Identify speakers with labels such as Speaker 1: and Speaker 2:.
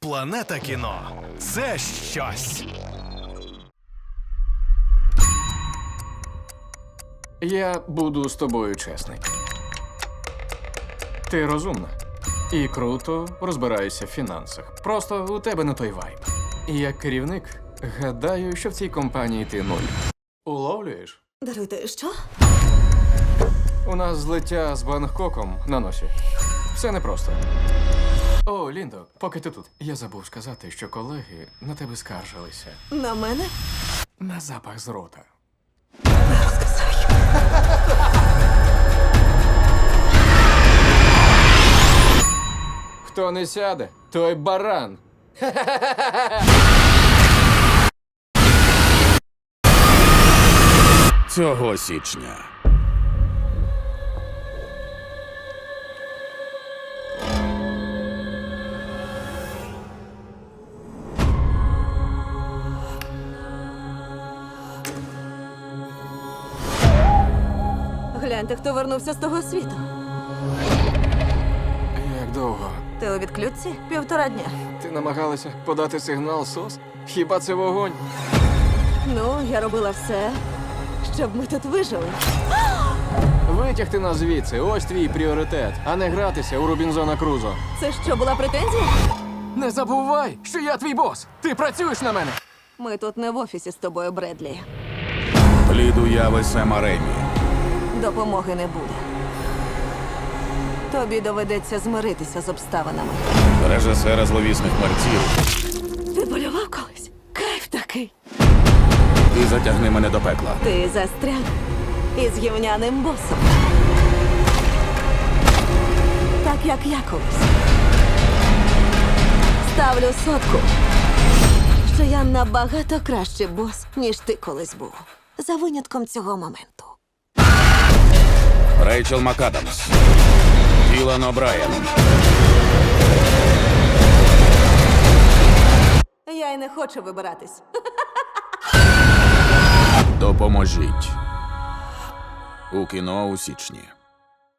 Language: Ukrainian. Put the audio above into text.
Speaker 1: Планета кіно – це щось.
Speaker 2: Я буду з тобою чесний. Ти розумна і круто розбираєшся в фінансах. Просто у тебе не той вайб. І як керівник, гадаю, що в цій компанії ти нуль. Уловлюєш?
Speaker 3: Даруйте, що?
Speaker 2: У нас злиття з Бангкоком на носі. Все непросто. О, Ліндо, поки ти тут. Я забув сказати, що колеги на тебе скаржилися.
Speaker 3: На мене?
Speaker 2: На запах з рота. Хто не сяде, той баран.
Speaker 4: Цього січня.
Speaker 3: Гляньте, хто вернувся з того світу.
Speaker 2: Як довго?
Speaker 3: Ти у відключці? 1,5 дня.
Speaker 2: Ти намагалася подати сигнал СОС? Хіба це вогонь?
Speaker 3: Ну, я робила все, щоб ми тут вижили.
Speaker 2: Витягти нас звідси, ось твій пріоритет, а не гратися у Робінзона Крузо.
Speaker 3: Це що, була претензія?
Speaker 2: Не забувай, що я твій бос! Ти працюєш на мене!
Speaker 3: Ми тут не в офісі з тобою, Бредлі.
Speaker 4: Плід уяви Сема Ремі.
Speaker 3: Допомоги не буде. Тобі доведеться змиритися з обставинами.
Speaker 4: Режисера зловісних мерців.
Speaker 3: Ти полював колись? Кайф такий.
Speaker 4: І затягни мене до пекла.
Speaker 3: Ти застряг із гівняним босом. Так, як я колись. Ставлю сотку, що я набагато кращий бос, ніж ти колись був. За винятком цього моменту.
Speaker 4: Рейчел МакАдамс. Ілан О'Брайен.
Speaker 3: Я й не хочу вибиратись.
Speaker 4: Допоможіть. У кіно у січні.